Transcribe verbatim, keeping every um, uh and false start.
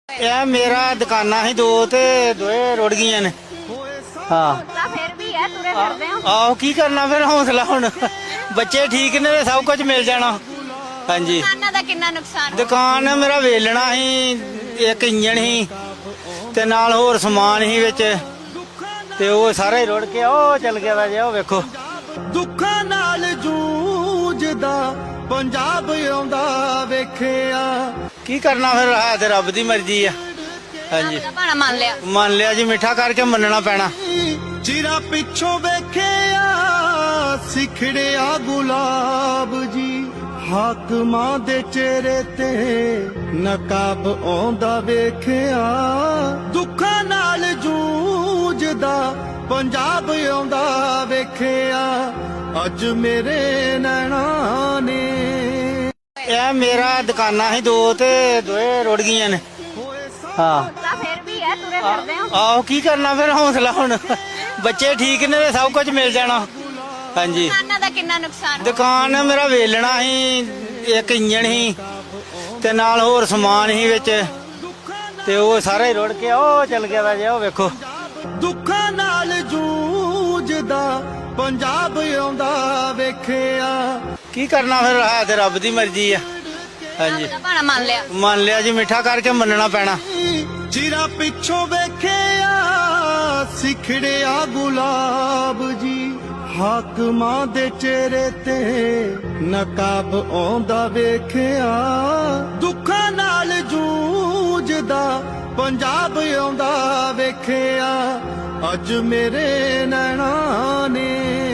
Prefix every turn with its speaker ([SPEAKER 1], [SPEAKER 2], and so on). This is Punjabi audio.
[SPEAKER 1] ਇਹ ਮੇਰਾ ਦੁਕਾਨਾਂ ਸੀ ਦੋ ਤੇ ਦੋਏ ਰੁੜ ਗਈਆਂ ਨੇ। ਹਾਂ
[SPEAKER 2] ਫਿਰ ਵੀ ਹੈ ਤੁਰੇ ਫਿਰਦੇ ਹੋ।
[SPEAKER 1] ਆਹੋ ਕੀ ਕਰਨਾ ਫਿਰ, ਹੌਸਲਾ ਹੁਣ ਬੱਚੇ ਠੀਕ ਨੇ ਤੇ ਸਭ ਕੁਝ ਮਿਲ ਜਾਣਾ। ਹਾਂਜੀ
[SPEAKER 2] ਦੁਕਾਨਾਂ ਦਾ ਕਿੰਨਾ ਨੁਕਸਾਨ?
[SPEAKER 1] ਦੁਕਾਨ ਮੇਰਾ ਵੇਲਣਾ ਸੀ, ਇੱਕ ਇੰਜਣ ਸੀ ਤੇ ਨਾਲ ਹੋਰ ਸਮਾਨ ਸੀ ਵਿੱਚ, ਤੇ ਉਹ ਸਾਰਾ ਹੀ ਰੁੜ ਕੇ ਉਹ ਚਲ ਗਿਆ ਵਾ ਜੇ। ਉਹ ਵੇਖੋ
[SPEAKER 3] ਦੁੱਖਾਂ ਨਾਲ ਜੂਝਦਾ ਪੰਜਾਬ ਆਉਂਦਾ ਵੇਖਿਆ।
[SPEAKER 1] ਕੀ ਕਰਨਾ ਫਿਰ, ਹੈ ਤੇ ਰੱਬ ਦੀ ਮਰਜ਼ੀ ਆ। ਹਾਂਜੀ
[SPEAKER 2] ਰੱਬ ਦਾ ਭਾਣਾ ਮੰਨ ਲਿਆ।
[SPEAKER 1] ਮੰਨ ਲਿਆ ਜੀ, ਮਿੱਠਾ ਕਰਕੇ ਮੰਨਣਾ ਪੈਣਾ।
[SPEAKER 3] ਚਿਰਾ ਪਿੱਛੋਂ ਵੇਖਿਆ ਸਿਖੜਿਆ ਗੁਲਾਬ ਜੀ, ਹਾਕਮਾਂ ਦੇ ਚਿਹਰੇ ਤੇ ਨਕਾਬ ਆਉਂਦਾ ਵੇਖਿਆ। ਦੁੱਖਾਂ ਨਾਲ ਜੂਝਦਾ ਪੰਜਾਬ ਆਉਂਦਾ ਵੇਖਿਆ, ਅੱਜ ਮੇਰੇ ਨੈਣਾਂ ਨੇ।
[SPEAKER 1] ਇਹ ਮੇਰਾ ਦੁਕਾਨਾਂ ਸੀ ਦੋ ਤੇ ਦੋਏ ਰੁੜ ਗਈਆਂ ਨੇ। ਹਾਂ
[SPEAKER 2] ਫਿਰ ਵੀ ਹੈ ਤੁਰੇ ਫਿਰਦੇ ਹੋ।
[SPEAKER 1] ਆਹੋ ਕੀ ਕਰਨਾ ਫਿਰ, ਹੌਸਲਾ ਹੁਣ ਬੱਚੇ ਠੀਕ ਨੇ ਤੇ ਸਭ ਕੁਝ ਮਿਲ ਜਾਣਾ। ਹਾਂਜੀ
[SPEAKER 2] ਦੁਕਾਨਾਂ ਦਾ ਕਿੰਨਾ ਨੁਕਸਾਨ?
[SPEAKER 1] ਦੁਕਾਨ ਮੇਰਾ ਵੇਲਣਾ ਸੀ, ਇੱਕ ਇੰਜਣ ਸੀ ਤੇ ਨਾਲ ਹੋਰ ਸਮਾਨ ਸੀ ਵਿੱਚ, ਤੇ ਉਹ ਸਾਰਾ ਹੀ ਰੁੜ ਕੇ ਉਹ ਚਲ ਗਿਆ ਵਾ ਜੇ। ਉਹ ਵੇਖੋ
[SPEAKER 3] ਦੁੱਖਾਂ ਨਾਲ ਜੂਝਦਾ ਪੰਜਾਬ ਆਉਂਦਾ ਵੇਖਿਆ।
[SPEAKER 1] ਕੀ ਕਰਨਾ ਫਿਰ, ਹੈ ਤੇ ਰੱਬ ਦੀ ਮਰਜ਼ੀ ਆ। ਹਾਂਜੀ
[SPEAKER 2] ਰੱਬ ਦਾ ਭਾਣਾ ਮੰਨ ਲਿਆ।
[SPEAKER 1] ਮੰਨ ਲਿਆ ਜੀ, ਮਿੱਠਾ ਕਰਕੇ ਮੰਨਣਾ ਪੈਣਾ।
[SPEAKER 3] ਚਿਰਾ ਪਿੱਛੋਂ ਵੇਖਿਆ ਸਿਖੜਿਆ ਗੁਲਾਬ ਜੀ, ਹਾਕਮਾਂ ਦੇ ਚਿਹਰੇ ਤੇ ਨਕਾਬ ਆਉਂਦਾ ਵੇਖਿਆ। ਦੁੱਖਾਂ ਨਾਲ ਜੂਝਦਾ ਪੰਜਾਬ ਆਉਂਦਾ ਵੇਖਿਆ, ਅੱਜ ਮੇਰੇ ਨੈਣਾਂ ਨੇ।